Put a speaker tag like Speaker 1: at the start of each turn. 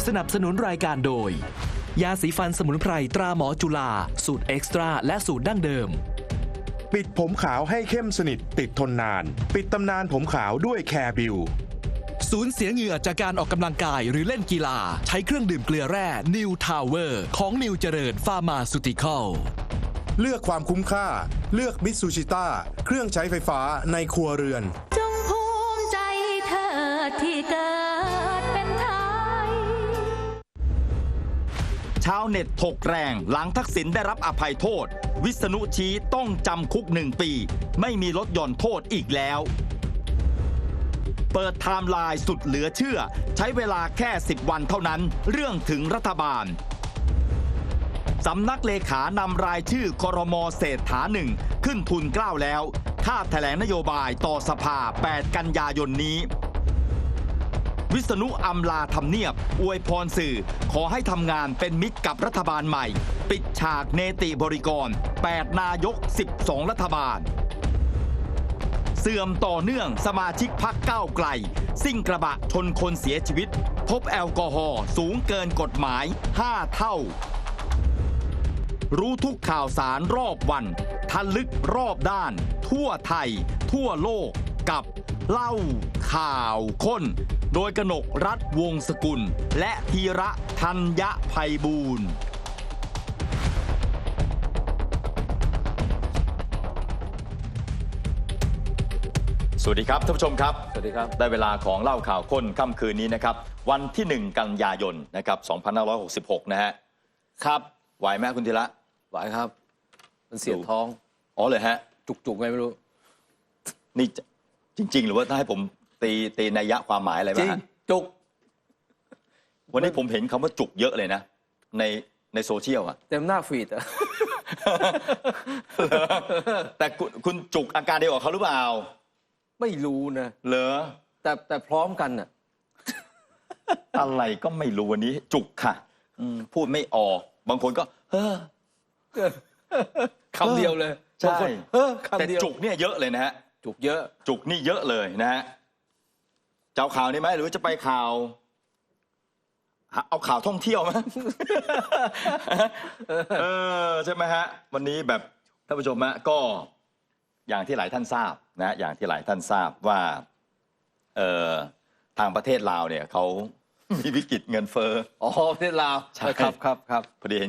Speaker 1: สนับสนุนรายการโดยยาสีฟันสมุนไพรตราหมอจุฬาสูตรเอ็กซ์ตร้าและสูตรดั้งเดิม
Speaker 2: ปิดผมขาวให้เข้มสนิทติดทนนานปิดตำนานผมขาวด้วยแคร์บิว
Speaker 1: สูญเสียเหงื่อจากการออกกำลังกายหรือเล่นกีฬาใช้เครื่องดื่มเกลือแร่นิวทาวเวอร์ของนิวเจริญฟาร์มาซูติคอล
Speaker 2: เลือกความคุ้มค่าเลือกมิตซูชิต้าเครื่องใช้ไฟฟ้าในครัวเรือน
Speaker 3: จงภูมิใจเธอที่เกิดเป็นไทย
Speaker 4: ชาวเน็ตถกแรงหลังทักษิณได้รับอภัยโทษวิษณุชี้ต้องจำคุก1 ปีไม่มีลดหย่อนโทษอีกแล้วเปิดไทม์ไลน์สุดเหลือเชื่อใช้เวลาแค่10 วันเท่านั้นเรื่องถึงรัฐบาลสำนักเลขานำรายชื่อครม.เศรษฐา1ขึ้นทุนเกล้าแล้วคาดแถลงนโยบายต่อสภา8 กันยายนนี้วิษณุอำลาทำเนียบอวยพรสื่อขอให้ทำงานเป็นมิตรกับรัฐบาลใหม่ปิดฉากเนติบริกร8 นายก12 รัฐบาลเสื่อมต่อเนื่องสมาชิกพรรคก้าวไกลซิ่งกระบะชนคนเสียชีวิตพบแอลกอฮอล์สูงเกินกฎหมาย5 เท่ารู้ทุกข่าวสารรอบวันทะลึกรอบด้านทั่วไทยทั่วโลกกับเล่าข่าวค้นโดยกนกรัฐวงศ์สกุลและธีระธัญไพบูลย์สวัสดีครับท่านผู้ชมครับสวัสดีครับได้เวลาของเล่าข่าวค้นค่ำคืนนี้นะครับวันที่1 กันยายนนะครับ2566นะฮะครับไหวไหมคุณธีระ
Speaker 5: ไหวครับมันเสียดท้อง
Speaker 4: อ๋อเลยฮะ
Speaker 5: จุกไงไม่รู้
Speaker 4: นี่จริงๆหรือว่าถ้าให้ผมตีนัยยะความหมายอะไรบ้างฮะ
Speaker 5: จุก
Speaker 4: วันนี้ผมเห็นคำว่าจุกเยอะเลยนะในโซเชียลอะ
Speaker 5: เต็มหน้าฟีดอะ
Speaker 4: แต่คุณจุกอาการเดียวกับเขาหรือเปล่า
Speaker 5: ไม่รู้นะ
Speaker 4: เหรอ
Speaker 5: แต่พร้อมกันน่ะ
Speaker 4: อะไรก็ไม่รู้วันนี้จุกค่ะพูดไม่ออกบางคนก็
Speaker 5: คำเดียวเลย
Speaker 4: ใช่แต่จุกเนี่ยเยอะเลยนะฮะ
Speaker 5: จุกเยอะ
Speaker 4: จุกนี่เยอะเลยนะฮะจะเอาข่าวนี้ไหมหรือจะไปข่าวเอาข่าวท่องเที่ยวไหมใช่ไหมฮะวันนี้แบบท่านผู้ชมฮะก็อย่างที่หลายท่านทราบนะอย่างที่หลายท่านทราบว่าทางประเทศลาวเนี่ยเขามีวิกฤตเงินเฟ้อ
Speaker 5: ประเทศลาว
Speaker 4: ใช่
Speaker 5: ครับ
Speaker 4: พอดี